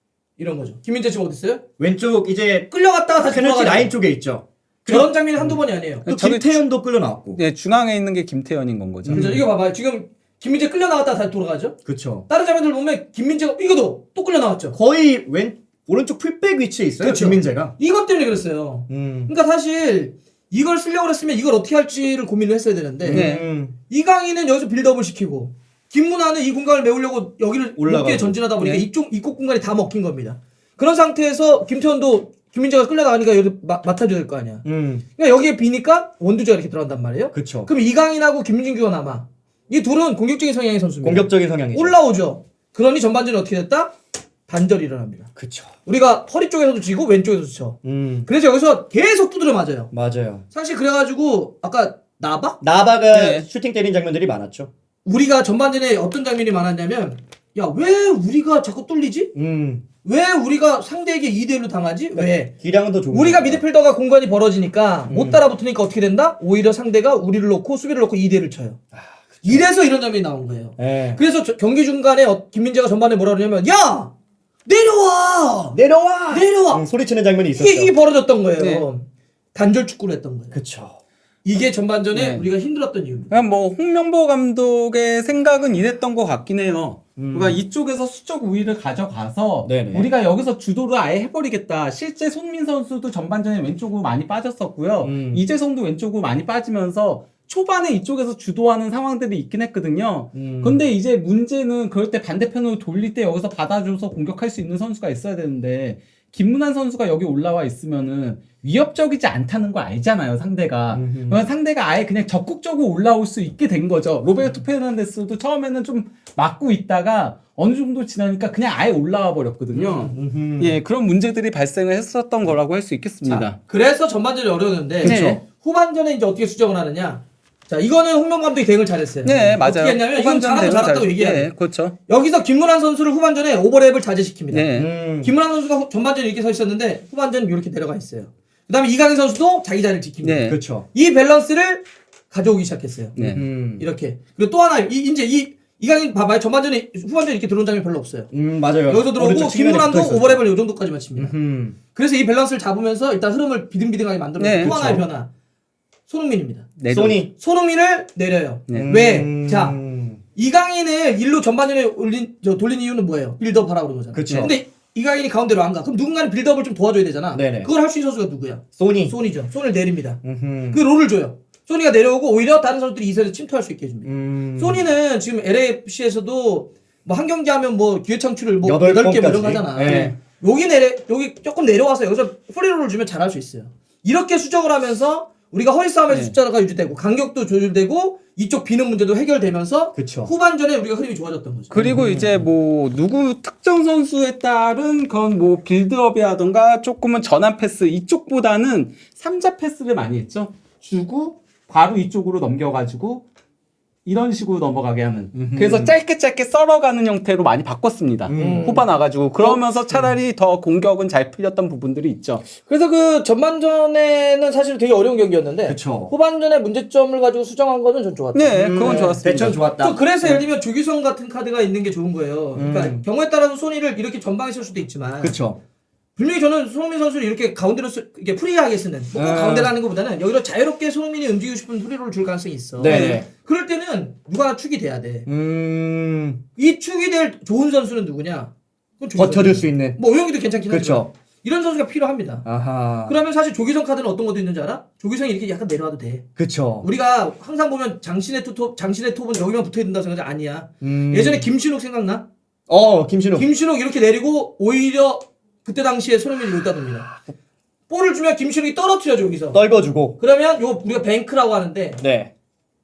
[SPEAKER 1] 이런 거죠. 김민재 지금 어디 있어요?
[SPEAKER 2] 왼쪽 이제
[SPEAKER 1] 끌려갔다가 다시
[SPEAKER 2] 페널티
[SPEAKER 1] 돌아가죠.
[SPEAKER 2] 라인 쪽에 있죠.
[SPEAKER 1] 저런 장면이 한두 번이 아니에요.
[SPEAKER 2] 또
[SPEAKER 4] 저기
[SPEAKER 2] 김태현도 끌려 나왔고.
[SPEAKER 4] 네, 중앙에 있는 게 김태현인 건 거죠.
[SPEAKER 1] 그죠? 이거 봐봐요. 지금 김민재 끌려 나갔다가 다시 돌아가죠.
[SPEAKER 2] 그렇죠.
[SPEAKER 1] 다른 장면들 보면 김민재가 이거도 또 끌려 나왔죠.
[SPEAKER 2] 거의 왼 오른쪽 풀백 위치에 있어요.
[SPEAKER 1] 그렇죠.
[SPEAKER 2] 김민재가.
[SPEAKER 1] 이것 때문에 그랬어요.
[SPEAKER 2] 음.
[SPEAKER 1] 그러니까 사실 이걸 쓰려고 했으면 이걸 어떻게 할지를 고민을 했어야 되는데
[SPEAKER 4] 네.
[SPEAKER 2] 음.
[SPEAKER 1] 이강인은 여기서 빌드업을 시키고 김문환은 이 공간을 메우려고 여기를
[SPEAKER 2] 올라가고.
[SPEAKER 1] 높게 전진하다 보니까
[SPEAKER 4] 네.
[SPEAKER 1] 이쪽 이곳 공간이 다 먹힌 겁니다. 그런 상태에서 김태현도 김민재가 끌려나가니까 여기 마, 맡아줘야 될 거 아니야.
[SPEAKER 2] 음.
[SPEAKER 1] 그러니까 여기에 비니까 원두재가 이렇게 들어간단 말이에요.
[SPEAKER 2] 그렇죠.
[SPEAKER 1] 그럼 이강인하고 김민규가 남아. 이 둘은 공격적인 성향의 선수입니다.
[SPEAKER 2] 공격적인 성향이죠.
[SPEAKER 1] 올라오죠. 그러니 전반전에 어떻게 됐다? 반절이 일어납니다.
[SPEAKER 2] 그렇죠.
[SPEAKER 1] 우리가 허리 쪽에서도 지고 왼쪽에서도 쳐.
[SPEAKER 2] 음.
[SPEAKER 1] 그래서 여기서 계속 두드려 맞아요.
[SPEAKER 2] 맞아요.
[SPEAKER 1] 사실 그래가지고 아까 나바?
[SPEAKER 2] 나바가
[SPEAKER 4] 네.
[SPEAKER 2] 슈팅 때린 장면들이 많았죠.
[SPEAKER 1] 우리가 전반전에 어떤 장면이 많았냐면 야 왜 우리가 자꾸 뚫리지?
[SPEAKER 2] 음.
[SPEAKER 1] 왜 우리가 상대에게 이 대 일로 당하지? 왜?
[SPEAKER 2] 기량은 더 좋은.
[SPEAKER 1] 우리가
[SPEAKER 2] 거죠.
[SPEAKER 1] 미드필더가 공간이 벌어지니까
[SPEAKER 2] 음.
[SPEAKER 1] 못 따라붙으니까 어떻게 된다? 오히려 상대가 우리를 놓고 수비를 놓고 이 대를 쳐요. 이래서 이런 장면이 나온 거예요.
[SPEAKER 2] 예.
[SPEAKER 1] 그래서 저- 경기 중간에 어- 김민재가 전반에 뭐라 그러냐면 야! 내려와!
[SPEAKER 2] 내려와.
[SPEAKER 1] 내려와!
[SPEAKER 2] 음, 소리치는 장면이 있었죠.
[SPEAKER 1] 이게, 이게 벌어졌던 거예요.
[SPEAKER 4] 네.
[SPEAKER 1] 단절 축구를 했던 거예요.
[SPEAKER 2] 그렇죠.
[SPEAKER 1] 이게 전반전에
[SPEAKER 4] 네.
[SPEAKER 1] 우리가 힘들었던 이유입니다.
[SPEAKER 4] 그냥 뭐 홍명보 감독의 생각은 이랬던 것 같긴 해요.
[SPEAKER 2] 음.
[SPEAKER 4] 그러니까 이쪽에서 수적 우위를 가져가서
[SPEAKER 2] 네네.
[SPEAKER 4] 우리가 여기서 주도를 아예 해버리겠다. 실제 손민 선수도 전반전에 왼쪽으로 많이 빠졌었고요.
[SPEAKER 2] 음.
[SPEAKER 4] 이재성도 왼쪽으로 많이 빠지면서 초반에 이쪽에서 주도하는 상황들이 있긴 했거든요.
[SPEAKER 2] 음.
[SPEAKER 4] 근데 이제 문제는 그럴 때 반대편으로 돌릴 때 여기서 받아줘서 공격할 수 있는 선수가 있어야 되는데 김문환 선수가 여기 올라와 있으면은 위협적이지 않다는 걸 알잖아요, 상대가. 그러면 상대가 아예 그냥 적극적으로 올라올 수 있게 된 거죠. 로베르토 페르난데스도 처음에는 좀 막고 있다가 어느 정도 지나니까 그냥 아예 올라와 버렸거든요.
[SPEAKER 2] 음흠.
[SPEAKER 4] 예, 그런 문제들이 발생을 했었던 거라고 할 수 있겠습니다.
[SPEAKER 1] 자, 그래서 전반전이 어려웠는데
[SPEAKER 4] 그쵸.
[SPEAKER 1] 그쵸? 후반전에 이제 어떻게 수정을 하느냐. 자, 이거는 홍명 감독이 대응을 잘했어요.
[SPEAKER 4] 네, 맞아요.
[SPEAKER 1] 어떻게 했냐면 이건 잘하고
[SPEAKER 4] 대응을
[SPEAKER 1] 잘했다고
[SPEAKER 4] 잘-
[SPEAKER 1] 얘기해야 돼.
[SPEAKER 4] 네, 그렇죠.
[SPEAKER 1] 여기서 김문환 선수를 후반전에 오버랩을 자제시킵니다.
[SPEAKER 4] 네.
[SPEAKER 2] 음.
[SPEAKER 1] 김문환 선수가 후- 전반전에 이렇게 서 있었는데 후반전은 이렇게 내려가 있어요. 그 다음에 이강인 선수도 자기 자리를 지킵니다.
[SPEAKER 4] 네.
[SPEAKER 2] 그렇죠.
[SPEAKER 1] 이 밸런스를 가져오기 시작했어요.
[SPEAKER 4] 네.
[SPEAKER 2] 음.
[SPEAKER 1] 이렇게. 그리고 또 하나, 이, 이제 이, 이강인 봐봐요. 전반전에, 후반전에 이렇게 들어온 장면이 별로 없어요.
[SPEAKER 2] 음, 맞아요.
[SPEAKER 1] 여기서 들어오고
[SPEAKER 2] 오른쪽 측면에
[SPEAKER 1] 김문환도
[SPEAKER 2] 붙어있어요.
[SPEAKER 1] 오버랩을 이 정도까지만 칩니다.
[SPEAKER 2] 음.
[SPEAKER 1] 그래서 이 밸런스를 잡으면서 일단 흐름을 비등비등하게 만들어요.
[SPEAKER 4] 네,
[SPEAKER 1] 또 하나의
[SPEAKER 2] 그쵸.
[SPEAKER 1] 변화. 손흥민입니다.
[SPEAKER 4] 내려-
[SPEAKER 2] 소니.
[SPEAKER 1] 손흥민을 내려요.
[SPEAKER 4] 네.
[SPEAKER 1] 왜?
[SPEAKER 2] 음.
[SPEAKER 1] 자, 이강인을 일로 전반전에 올린, 저, 돌린 이유는 뭐예요? 빌드업 하라고 그런 거잖아.
[SPEAKER 2] 그쵸.
[SPEAKER 1] 근데 이강인이 가운데로 안 가. 그럼 누군가는 빌드업을 좀 도와줘야 되잖아.
[SPEAKER 2] 네네.
[SPEAKER 1] 그걸 할 수 있는 선수가 누구야?
[SPEAKER 2] 소니.
[SPEAKER 1] 손이죠. 손을 내립니다.
[SPEAKER 2] 음흠.
[SPEAKER 1] 그 롤을 줘요. 소니가 내려오고 오히려 다른 선수들이 이 세트에 침투할 수 있게 해줍니다.
[SPEAKER 2] 음.
[SPEAKER 1] 소니는 지금 엘에이에프씨에서도 뭐 한 경기 하면 뭐 기회 창출을 뭐
[SPEAKER 2] 여덟
[SPEAKER 1] 여덟 개 뭐 이런
[SPEAKER 2] 번까지.
[SPEAKER 1] 거 하잖아.
[SPEAKER 2] 네.
[SPEAKER 1] 여기 내려 여기 조금 내려와서 여기서 프리롤을 주면 잘할 수 있어요. 이렇게 수정을 하면서 우리가 허리 싸움에서
[SPEAKER 4] 네.
[SPEAKER 1] 숫자가 유지되고 간격도 조절되고 이쪽 비는 문제도 해결되면서
[SPEAKER 2] 그쵸.
[SPEAKER 1] 후반전에 우리가 흐름이 좋아졌던 거죠.
[SPEAKER 4] 그리고 이제 뭐 누구 특정 선수에 따른 그건 뭐 빌드업이라던가 조금은 전환 패스 이쪽보다는 삼자 패스를 많이 했죠. 주고 바로 이쪽으로 넘겨가지고 이런 식으로 넘어가게 하는.
[SPEAKER 2] 음흠.
[SPEAKER 4] 그래서 짧게 짧게 썰어가는 형태로 많이 바꿨습니다.
[SPEAKER 2] 음.
[SPEAKER 4] 후반 와가지고 그러면서 차라리 더 공격은 잘 풀렸던 부분들이 있죠.
[SPEAKER 1] 그래서 그 전반전에는 사실 되게 어려운 경기였는데
[SPEAKER 2] 그쵸.
[SPEAKER 1] 후반전에 문제점을 가지고 수정한 거는 전 좋았죠.
[SPEAKER 4] 네, 그건
[SPEAKER 2] 음,
[SPEAKER 4] 좋았습니다.
[SPEAKER 2] 대천 좋았다.
[SPEAKER 1] 또 그래서 예를 들면 조규성 같은 카드가 있는 게 좋은 거예요. 그러니까
[SPEAKER 2] 음.
[SPEAKER 1] 경우에 따라서 소니를 이렇게 전방에 쓸 수도 있지만
[SPEAKER 2] 그쵸.
[SPEAKER 1] 분명히 저는 손흥민 선수를 이렇게 가운데로 쓰, 이렇게 프리하게 쓰는 꼭
[SPEAKER 2] 아.
[SPEAKER 1] 가운데로 하는 것보다는 여기로 자유롭게 손흥민이 움직이고 싶은 프리롤을 줄 가능성이 있어.
[SPEAKER 2] 네.
[SPEAKER 1] 그럴 때는 누가 하나 축이 돼야 돼.
[SPEAKER 2] 음.
[SPEAKER 1] 이 축이 될 좋은 선수는 누구냐? 그건 조규성.
[SPEAKER 2] 버텨줄 수 있는.
[SPEAKER 1] 뭐 오영이도 괜찮긴 하지만
[SPEAKER 2] 그쵸.
[SPEAKER 1] 이런 선수가 필요합니다.
[SPEAKER 2] 아하.
[SPEAKER 1] 그러면 사실 조규성 카드는 어떤 것도 있는지 알아? 조규성이 이렇게 약간 내려와도 돼.
[SPEAKER 2] 그쵸.
[SPEAKER 1] 우리가 항상 보면 장신의 투톱, 장신의 톱은 여기만 붙어 있는다 생각하지 아니야.
[SPEAKER 2] 음.
[SPEAKER 1] 예전에 김신욱 생각나?
[SPEAKER 2] 어, 김신욱.
[SPEAKER 1] 김신욱 이렇게 내리고 오히려 그때 당시에 손흥민이 여기다 둡니다. 볼을 주면 김신욱이 떨어뜨려줘 여기서.
[SPEAKER 2] 떨궈주고.
[SPEAKER 1] 그러면 요 우리가 뱅크라고 하는데
[SPEAKER 2] 네.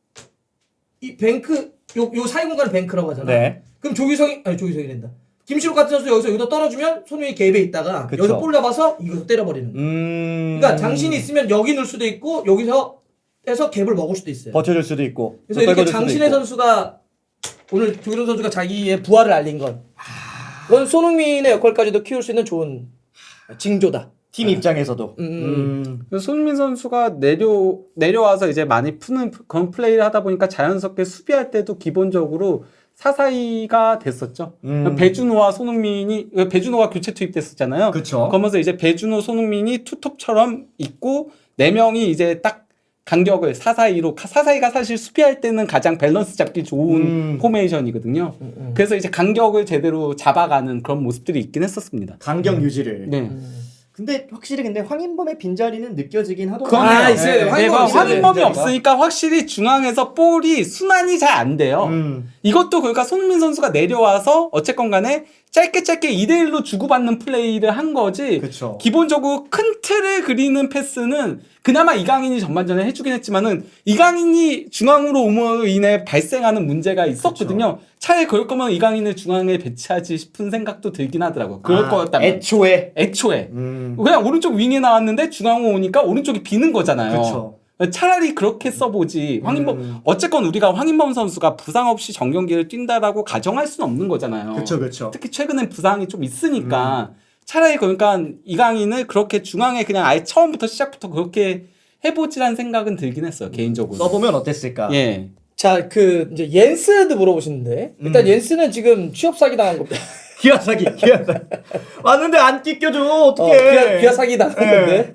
[SPEAKER 1] 이 뱅크 요 요 사이 공간을 뱅크라고 하잖아.
[SPEAKER 2] 네.
[SPEAKER 1] 그럼 조규성이 아니 조규성이 된다. 김신욱 같은 선수 여기서 여기다 떨어주면 손흥민이 갭에 있다가
[SPEAKER 2] 그쵸.
[SPEAKER 1] 여기서 볼 잡아서 이거 때려버리는. 거야.
[SPEAKER 2] 음.
[SPEAKER 1] 그러니까 장신이 있으면 여기 넣을 수도 있고 여기서 해서 갭을 먹을 수도 있어요.
[SPEAKER 2] 버텨줄 수도 있고.
[SPEAKER 1] 그래서
[SPEAKER 2] 또
[SPEAKER 1] 이렇게
[SPEAKER 2] 떨궈줄 수도
[SPEAKER 1] 장신의
[SPEAKER 2] 있고.
[SPEAKER 1] 선수가 오늘 조규성 선수가 자기의 부활을 알린 건 그건 손흥민의 역할까지도 키울 수 있는 좋은 징조다.
[SPEAKER 2] 팀 입장에서도.
[SPEAKER 1] 음.
[SPEAKER 2] 음.
[SPEAKER 4] 그래서 손흥민 선수가 내려 내려와서 이제 많이 푸는 그런 플레이를 하다 보니까 자연스럽게 수비할 때도 기본적으로 사사이가 됐었죠.
[SPEAKER 2] 음.
[SPEAKER 4] 배준호와 손흥민이 배준호가 교체 투입됐었잖아요.
[SPEAKER 2] 그쵸.
[SPEAKER 4] 그러면서 이제 배준호, 손흥민이 투톱처럼 있고 네 명이 이제 딱 간격을 사사이로 사사이가 사실 수비할 때는 가장 밸런스 잡기 좋은
[SPEAKER 2] 음.
[SPEAKER 4] 포메이션이거든요. 그래서 이제 간격을 제대로 잡아가는 그런 모습들이 있긴 했었습니다.
[SPEAKER 2] 간격 유지를.
[SPEAKER 4] 네.
[SPEAKER 2] 근데 확실히 근데 황인범의 빈자리는 느껴지긴 하더라고요.
[SPEAKER 1] 그건 아, 있어요.
[SPEAKER 2] 네.
[SPEAKER 1] 황인범
[SPEAKER 4] 네,
[SPEAKER 1] 있어요.
[SPEAKER 4] 황인범이
[SPEAKER 1] 네.
[SPEAKER 4] 없으니까 확실히 중앙에서 볼이 순환이 잘 안 돼요.
[SPEAKER 2] 음.
[SPEAKER 4] 이것도 그러니까 손흥민 선수가 내려와서 어쨌건 간에 짧게 짧게 이 대 일로 주고받는 플레이를 한 거지.
[SPEAKER 2] 그쵸.
[SPEAKER 4] 기본적으로 큰 틀을 그리는 패스는 그나마 이강인이 전반전에 해주긴 했지만은 이강인이 중앙으로 오므로 인해 발생하는 문제가 있었거든요. 차라리 그럴 거면 이강인을 중앙에 배치하지 싶은 생각도 들긴 하더라고요. 그럴
[SPEAKER 2] 아,
[SPEAKER 4] 거였다면.
[SPEAKER 2] 애초에.
[SPEAKER 4] 애초에.
[SPEAKER 2] 음.
[SPEAKER 4] 그냥 오른쪽 윙에 나왔는데 중앙으로 오니까 오른쪽이 비는 거잖아요.
[SPEAKER 2] 그쵸.
[SPEAKER 4] 차라리 그렇게 써보지. 황인범
[SPEAKER 2] 음.
[SPEAKER 4] 어쨌건 우리가 황인범 선수가 부상 없이 정경기를 뛴다라고 가정할 수는 없는 거잖아요.
[SPEAKER 2] 그쵸, 그쵸.
[SPEAKER 4] 특히 최근엔 부상이 좀 있으니까 차라리 그러니까 이강인을 그렇게 중앙에 그냥 아예 처음부터 시작부터 그렇게 해보지라는 생각은 들긴 했어요 개인적으로.
[SPEAKER 2] 써보면 어땠을까?
[SPEAKER 4] 예.
[SPEAKER 1] 자, 그 이제 옌스도 물어보시는데 일단
[SPEAKER 2] 음.
[SPEAKER 1] 옌스는 지금 취업 사기 당한 겁니다.
[SPEAKER 2] 기아 사기, 기아 사기. 왔는데 안 찢겨줘.
[SPEAKER 1] 어,
[SPEAKER 2] 어떡해.
[SPEAKER 1] 기아, 기아 사기 당한 건데.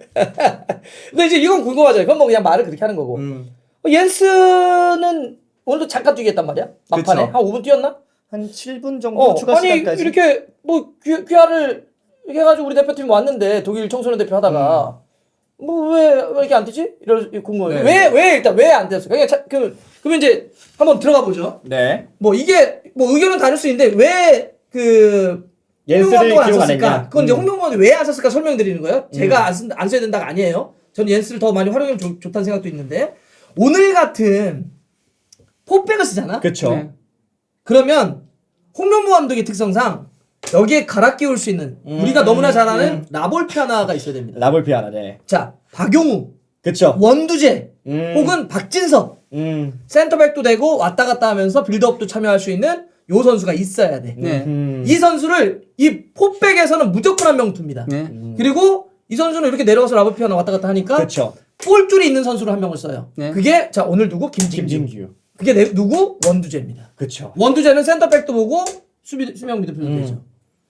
[SPEAKER 1] 근데 이제 이건 궁금하잖아요. 그건 뭐 그냥 말을 그렇게 하는 거고.
[SPEAKER 2] 음.
[SPEAKER 1] 어, 옌스는 오늘도 잠깐 뛰게 했단 말이야. 막판에
[SPEAKER 2] 그쵸.
[SPEAKER 1] 한 오 분 뛰었나?
[SPEAKER 2] 한 칠 분 정도
[SPEAKER 1] 어,
[SPEAKER 2] 추가
[SPEAKER 1] 아니
[SPEAKER 2] 시간까지.
[SPEAKER 1] 이렇게 뭐 귀, 귀화를 이렇게 해가지고 우리 대표팀 왔는데 독일 청소년 대표 하다가 뭐 왜 왜 이렇게 안 뛰지? 이럴 궁금해요.
[SPEAKER 2] 네.
[SPEAKER 1] 왜 왜 일단 왜 안 뛰었어? 그냥 자, 그 그러면 이제 한번 들어가 보죠.
[SPEAKER 2] 네.
[SPEAKER 1] 뭐 이게 뭐 의견은 다를 수 있는데 왜 그
[SPEAKER 2] 옌스를
[SPEAKER 1] 홍명보가 안
[SPEAKER 2] 기록 안
[SPEAKER 1] 썼을까?
[SPEAKER 2] 했냐?
[SPEAKER 1] 그건 이제
[SPEAKER 2] 음.
[SPEAKER 1] 홍명보가 왜 안 썼을까 설명드리는 거예요. 제가 안, 쓴, 안 써야 된다가 아니에요. 저는 옌스를 더 많이 활용하면 좋, 좋다는 생각도 있는데 오늘 같은 포백을 쓰잖아.
[SPEAKER 2] 그쵸.
[SPEAKER 4] 네.
[SPEAKER 1] 그러면 홍명보 감독의 특성상 여기에 갈아 끼울 수 있는
[SPEAKER 2] 음,
[SPEAKER 1] 우리가 너무나 잘 아는
[SPEAKER 2] 음.
[SPEAKER 1] 라볼피 하나가 있어야 됩니다.
[SPEAKER 2] 라볼피 하나, 네.
[SPEAKER 1] 자, 박용우,
[SPEAKER 2] 그쵸.
[SPEAKER 1] 원두재
[SPEAKER 2] 음.
[SPEAKER 1] 혹은 박진섭
[SPEAKER 2] 음.
[SPEAKER 1] 센터백도 되고 왔다 갔다 하면서 빌드업도 참여할 수 있는 요 선수가 있어야 돼.
[SPEAKER 4] 네.
[SPEAKER 2] 음.
[SPEAKER 1] 이 선수를 이 포백에서는 무조건 한 명 둡니다.
[SPEAKER 4] 네.
[SPEAKER 1] 그리고 이 선수는 이렇게 내려가서 라볼피 하나 왔다 갔다 하니까
[SPEAKER 2] 그쵸.
[SPEAKER 1] 볼줄이 있는 선수로 한 명을 써요.
[SPEAKER 4] 네.
[SPEAKER 1] 그게 자 오늘 누구? 김진규.
[SPEAKER 2] 김진규.
[SPEAKER 1] 그게 내, 누구? 원두재입니다.
[SPEAKER 2] 그쵸.
[SPEAKER 1] 원두재는 센터백도 보고 수비 수명 미드필더도
[SPEAKER 2] 음.
[SPEAKER 1] 되죠.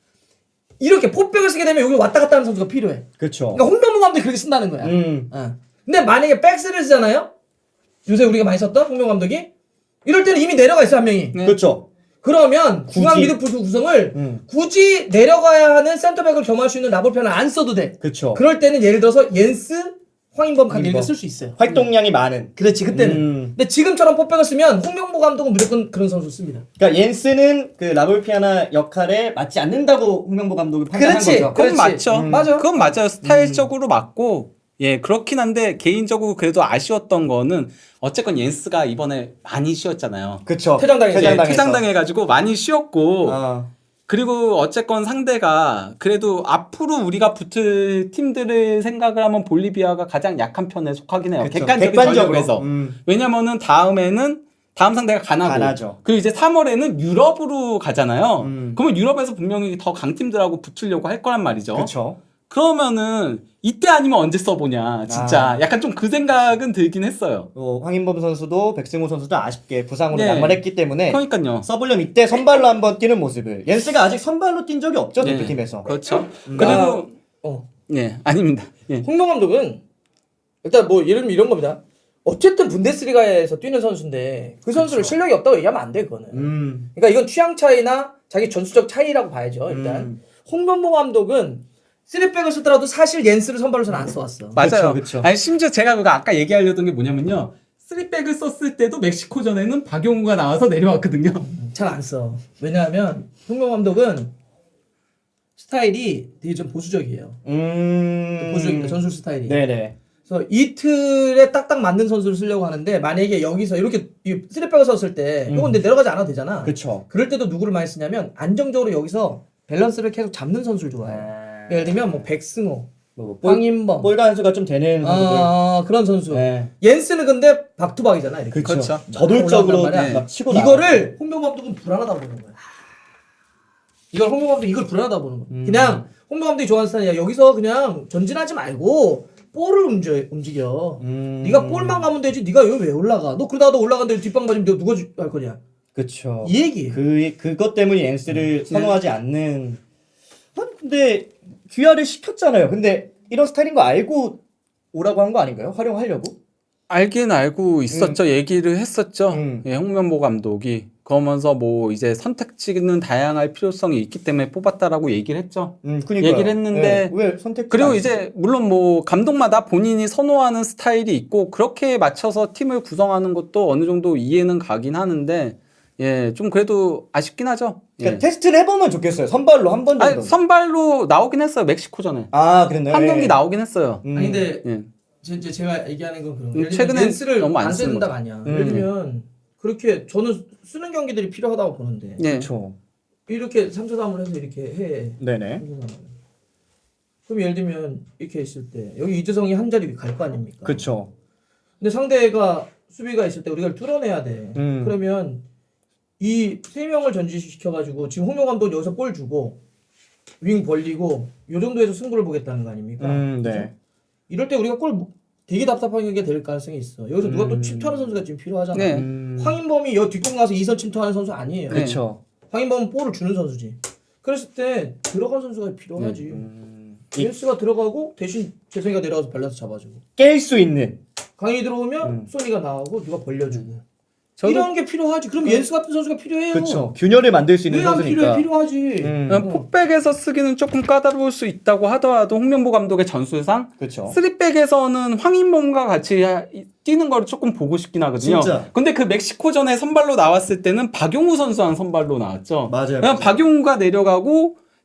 [SPEAKER 1] 이렇게 포백을 쓰게 되면 여기 왔다 갔다 하는 선수가 필요해.
[SPEAKER 2] 그쵸.
[SPEAKER 1] 그러니까 홍명보 감독이 그렇게 쓴다는 거야.
[SPEAKER 2] 음.
[SPEAKER 1] 어. 근데 만약에 백스를 쓰잖아요. 요새 우리가 많이 썼던 홍명보 감독이 이럴 때는 이미 내려가 있어 한 명이.
[SPEAKER 4] 네.
[SPEAKER 2] 그쵸.
[SPEAKER 1] 그러면 중앙
[SPEAKER 2] 굳이.
[SPEAKER 1] 미드필더 구성을
[SPEAKER 2] 음.
[SPEAKER 1] 굳이 내려가야 하는 센터백을 겸할 수 있는 라볼편을 안 써도 돼.
[SPEAKER 2] 그쵸.
[SPEAKER 1] 그럴 때는 예를 들어서 옌스, 황인범 칸 이렇게
[SPEAKER 2] 황인범.
[SPEAKER 1] 쓸 수 있어요.
[SPEAKER 2] 활동량이 많은.
[SPEAKER 1] 그렇지 그때는.
[SPEAKER 2] 음.
[SPEAKER 1] 근데 지금처럼 포백을 쓰면 홍명보 감독은 무조건 그런 선수 씁니다.
[SPEAKER 2] 그러니까 옌스는 그 라볼피아나 역할에 맞지 않는다고 홍명보 감독이 판단한
[SPEAKER 1] 그렇지.
[SPEAKER 2] 거죠.
[SPEAKER 4] 그건
[SPEAKER 1] 그렇지.
[SPEAKER 4] 맞죠.
[SPEAKER 1] 음. 맞아.
[SPEAKER 4] 그건 맞아요. 스타일적으로 맞고 예 그렇긴 한데 개인적으로 그래도 아쉬웠던 거는 어쨌건 옌스가 이번에 많이 쉬었잖아요.
[SPEAKER 2] 그쵸.
[SPEAKER 1] 퇴장당했죠.
[SPEAKER 4] 예,
[SPEAKER 2] 퇴장당했어.
[SPEAKER 4] 퇴장당해가지고 많이 쉬었고
[SPEAKER 2] 아.
[SPEAKER 4] 그리고 어쨌건 상대가 그래도 앞으로 우리가 붙을 팀들을 생각을 하면 볼리비아가 가장 약한 편에 속하긴 해요.
[SPEAKER 2] 그쵸.
[SPEAKER 4] 객관적인
[SPEAKER 2] 객관적으로.
[SPEAKER 4] 전력에서.
[SPEAKER 2] 음.
[SPEAKER 4] 왜냐면은 다음에는 다음 상대가 가나고
[SPEAKER 2] 가나죠.
[SPEAKER 4] 그리고 이제 삼월에는 유럽으로 가잖아요.
[SPEAKER 2] 음.
[SPEAKER 4] 그러면 유럽에서 분명히 더 강팀들하고 붙으려고 할 거란 말이죠.
[SPEAKER 2] 그쵸.
[SPEAKER 4] 그러면은 이때 아니면 언제 써보냐 진짜
[SPEAKER 2] 아.
[SPEAKER 4] 약간 좀 그 생각은 들긴 했어요.
[SPEAKER 2] 어, 황인범 선수도 백승호 선수도 아쉽게 부상으로
[SPEAKER 4] 네.
[SPEAKER 2] 낙마했기 때문에
[SPEAKER 4] 그러니까요.
[SPEAKER 2] 서블럼 이때 선발로 한번 뛰는 모습을 옌스가 아직 선발로 뛴 적이 없죠
[SPEAKER 4] 네.
[SPEAKER 2] 대표팀에서.
[SPEAKER 4] 그렇죠.
[SPEAKER 2] 음.
[SPEAKER 4] 그리고
[SPEAKER 1] 어.
[SPEAKER 4] 예 아닙니다. 예.
[SPEAKER 1] 홍명 감독은 일단 뭐 예를 들면 이런 겁니다. 어쨌든 분데스리가에서 뛰는 선수인데 그 선수를
[SPEAKER 2] 그쵸.
[SPEAKER 1] 실력이 없다고 얘기하면 안 돼 그거는.
[SPEAKER 2] 음.
[SPEAKER 1] 그러니까 이건 취향 차이나 자기 전술적 차이라고 봐야죠 일단.
[SPEAKER 2] 음.
[SPEAKER 1] 홍명보 감독은 쓰리백을 쓰더라도 사실 옌스를 선발로서는 안 써왔어.
[SPEAKER 4] 맞아요.
[SPEAKER 2] 그쵸, 그쵸.
[SPEAKER 4] 아니 심지어 제가 그거 아까 얘기하려던 게 뭐냐면요. 쓰리백을 썼을 때도 멕시코전에는 박용우가 나와서 내려왔거든요.
[SPEAKER 1] 잘 안 써. 왜냐하면 홍명 감독은 스타일이 되게 좀 보수적이에요.
[SPEAKER 2] 음.
[SPEAKER 1] 보수적입니다. 전술 스타일이.
[SPEAKER 2] 네네.
[SPEAKER 1] 그래서 이 틀에 딱딱 맞는 선수를 쓰려고 하는데 만약에 여기서 이렇게 이 쓰리백을 썼을 때 이건 근데 내려가지 않아도 되잖아.
[SPEAKER 2] 그쵸.
[SPEAKER 1] 그럴 때도 누구를 많이 쓰냐면 안정적으로 여기서 밸런스를 계속 잡는 선수를 좋아해요. 예를 들면 뭐 백승호,
[SPEAKER 2] 뭐 볼,
[SPEAKER 1] 황인범,
[SPEAKER 2] 볼 간수가 좀 되는 선수들.
[SPEAKER 1] 아, 그런 선수.
[SPEAKER 2] 네.
[SPEAKER 1] 옌스는 근데 박투박이잖아. 이렇게.
[SPEAKER 2] 그쵸.
[SPEAKER 4] 그렇죠.
[SPEAKER 2] 저돌적으로
[SPEAKER 1] 올라간단
[SPEAKER 4] 말이야.
[SPEAKER 2] 막 치고
[SPEAKER 1] 이거를 홍명 감독은 불안하다고 보는 거야. 이걸 홍명 감독이 이걸 불안하다고 보는 거야.
[SPEAKER 2] 음.
[SPEAKER 1] 그냥 홍명 감독이 좋아하는 스타일이야. 여기서 그냥 전진하지 말고 볼을 움직여. 움직여.
[SPEAKER 2] 음.
[SPEAKER 1] 네가 볼만 가면 되지. 네가 여기 왜 올라가? 너 그러다가 너 올라간데 뒷방 맞으면 너 누가 주- 할 거냐?
[SPEAKER 2] 그쵸.
[SPEAKER 1] 이 얘기.
[SPEAKER 2] 그 그것 때문에 옌스를
[SPEAKER 1] 음.
[SPEAKER 2] 선호하지 않는. 아니, 근데 귀화를 시켰잖아요. 근데 이런 스타일인 거 알고 오라고 한 거 아닌가요? 활용하려고?
[SPEAKER 4] 알긴 알고 있었죠. 얘기를 했었죠.
[SPEAKER 2] 음.
[SPEAKER 4] 예, 홍명보 감독이. 그러면서 뭐 이제 선택지는 다양할 필요성이 있기 때문에 뽑았다라고 얘기를 했죠.
[SPEAKER 2] 음, 그러니까
[SPEAKER 4] 얘기를 했는데
[SPEAKER 2] 왜 선택?
[SPEAKER 4] 그리고 이제 물론 뭐 감독마다 본인이 선호하는 스타일이 있고 그렇게 맞춰서 팀을 구성하는 것도 어느 정도 이해는 가긴 하는데 예, 좀 그래도 아쉽긴 하죠.
[SPEAKER 2] 그러니까
[SPEAKER 4] 예.
[SPEAKER 2] 테스트를 해보면 좋겠어요. 선발로 한 번 정도.
[SPEAKER 4] 아니, 선발로 나오긴 했어요. 멕시코전에.
[SPEAKER 2] 아, 그랬나요?
[SPEAKER 4] 한
[SPEAKER 2] 예.
[SPEAKER 4] 경기 나오긴 했어요.
[SPEAKER 2] 음.
[SPEAKER 1] 아니 근데
[SPEAKER 4] 예.
[SPEAKER 1] 제, 제, 제가 얘기하는 건 그런
[SPEAKER 4] 음,
[SPEAKER 1] 거예요. 예를
[SPEAKER 4] 최근엔
[SPEAKER 1] 들면 렌스를
[SPEAKER 4] 너무 안
[SPEAKER 1] 안
[SPEAKER 4] 쓰는
[SPEAKER 1] 쓴다가
[SPEAKER 4] 거죠.
[SPEAKER 1] 아니야.
[SPEAKER 2] 음.
[SPEAKER 1] 예를 들면 그렇게 저는 쓰는 경기들이 필요하다고 보는데
[SPEAKER 4] 예.
[SPEAKER 2] 그렇죠.
[SPEAKER 1] 이렇게 삼 초 삼을 해서 이렇게 해.
[SPEAKER 2] 네네.
[SPEAKER 1] 그럼 예를 들면 이렇게 있을 때 여기 이재성이 한 자리 갈 거 아닙니까?
[SPEAKER 2] 그렇죠.
[SPEAKER 1] 근데 상대가 수비가 있을 때 우리가 뚫어내야 돼.
[SPEAKER 2] 음.
[SPEAKER 1] 그러면 이 세 명을 전지시켜가지고 지금 홍명 감독 여기서 볼 주고 윙 벌리고 요 정도에서 승부를 보겠다는 거 아닙니까?
[SPEAKER 2] 음, 네.
[SPEAKER 1] 그죠? 이럴 때 우리가 골 되게 답답한 게 될 가능성이 있어. 여기서 누가 또
[SPEAKER 2] 음.
[SPEAKER 1] 침투하는 선수가 지금 필요하잖아.
[SPEAKER 4] 네.
[SPEAKER 2] 음.
[SPEAKER 1] 황인범이 여 뒷공 가서 이선 침투하는 선수 아니에요.
[SPEAKER 4] 네.
[SPEAKER 2] 그렇죠.
[SPEAKER 1] 황인범은 볼을 주는 선수지. 그랬을 때 들어간 선수가 필요하지.
[SPEAKER 2] 음.
[SPEAKER 1] 벤스가 들어가고 대신 재성이가 내려가서 밸런스 잡아주고.
[SPEAKER 2] 깰 수 있는.
[SPEAKER 1] 강이 들어오면
[SPEAKER 2] 음.
[SPEAKER 1] 소니가 나오고 누가 벌려주고.
[SPEAKER 4] 저도-
[SPEAKER 1] 이런 게 필요하지. 그럼 옌스 같은 선수가 필요해요.
[SPEAKER 2] 그렇죠. 균열을 만들 수 있는
[SPEAKER 1] 왜안 필요해?
[SPEAKER 2] 선수니까.
[SPEAKER 1] 필요하지.
[SPEAKER 2] 음.
[SPEAKER 4] 그냥 폭백에서 쓰기는 조금 까다로울 수 있다고 하더라도 홍명보 감독의 전술상
[SPEAKER 2] 그렇죠.
[SPEAKER 4] 쓰리백에서는 황인범과 같이 하- 뛰는 거를 조금 보고 싶긴 하거든요.
[SPEAKER 2] 진짜.
[SPEAKER 4] 근데 그 멕시코전에 선발로 나왔을 때는 박용우 선수랑 선발로 나왔죠.
[SPEAKER 2] 맞아요.
[SPEAKER 4] 그냥 박용우가 내려가고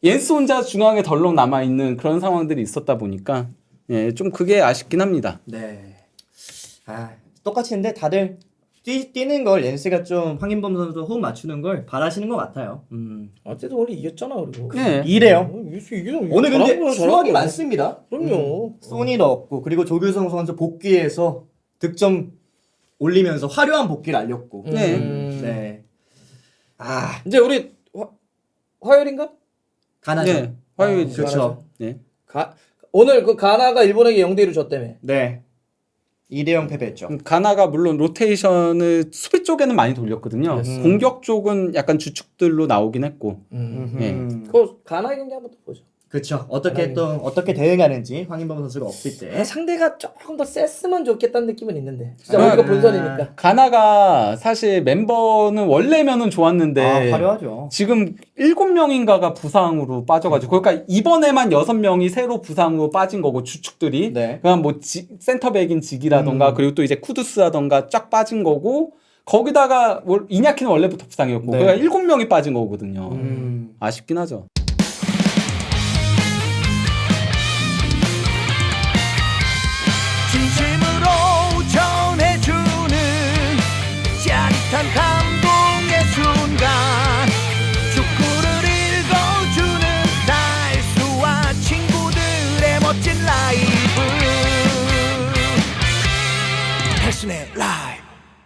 [SPEAKER 4] 옌스 혼자 중앙에 덜렁 남아 있는 그런 상황들이 있었다 보니까 예, 좀 그게 아쉽긴 합니다.
[SPEAKER 2] 네. 아, 똑같이 했는데 다들 뛰, 뛰는 걸 렌스가 좀 황인범 선수 호흡 맞추는 걸 바라시는 것 같아요. 음.
[SPEAKER 1] 어쨌든 원래 이겼잖아 그리고.
[SPEAKER 4] 네.
[SPEAKER 2] 이래요.
[SPEAKER 1] 이겼어 이겨.
[SPEAKER 2] 오늘 근데 수확이 많습니다.
[SPEAKER 1] 그럼요.
[SPEAKER 2] 소니 넣었고 그리고 조규성 선수 복귀해서 득점 올리면서 화려한 복귀를 알렸고.
[SPEAKER 4] 네.
[SPEAKER 1] 음.
[SPEAKER 2] 네. 아,
[SPEAKER 1] 이제 우리 화, 화요일인가?
[SPEAKER 2] 가나죠.
[SPEAKER 4] 네. 화요일
[SPEAKER 1] 아,
[SPEAKER 2] 그렇죠.
[SPEAKER 4] 네.
[SPEAKER 1] 가 오늘 그 가나가 일본에게 영 대 일로 졌다며.
[SPEAKER 2] 네. 이 대 영 패배했죠.
[SPEAKER 4] 음, 가나가 물론 로테이션을 수비 쪽에는 많이 돌렸거든요.
[SPEAKER 1] 음.
[SPEAKER 4] 공격 쪽은 약간 주축들로 나오긴 했고.
[SPEAKER 1] 음.
[SPEAKER 2] 음.
[SPEAKER 1] 그 가나 경기 한번 또 보죠.
[SPEAKER 2] 그렇죠. 어떻게
[SPEAKER 1] 가나이.
[SPEAKER 2] 또 어떻게 대응하는지 황인범 선수가 없을 때.
[SPEAKER 1] 아, 상대가 조금 더 셌으면 좋겠다는 느낌은 있는데. 진짜
[SPEAKER 4] 아,
[SPEAKER 1] 우리가
[SPEAKER 2] 아.
[SPEAKER 1] 본선이니까.
[SPEAKER 4] 가나가 사실 멤버는 원래면은 좋았는데
[SPEAKER 2] 아, 화려하죠.
[SPEAKER 4] 지금 일곱 명인가가 부상으로 빠져가지고 그러니까 이번에만 여섯 명이 새로 부상으로 빠진 거고 주축들이
[SPEAKER 2] 네.
[SPEAKER 4] 그냥 뭐 지, 센터백인 직이라던가
[SPEAKER 2] 음.
[SPEAKER 4] 그리고 또 이제 쿠두스라던가 쫙 빠진 거고 거기다가 월- 이냐키는 원래부터 부상이었고
[SPEAKER 2] 네.
[SPEAKER 4] 그러니까 일곱 명이 빠진 거거든요.
[SPEAKER 2] 음.
[SPEAKER 4] 아쉽긴 하죠.
[SPEAKER 5] 진심으로 전해주는 짜릿한 감동의 순간 축구를 읽어주는 달수와 친구들의 멋진 라이브 패션의 라이브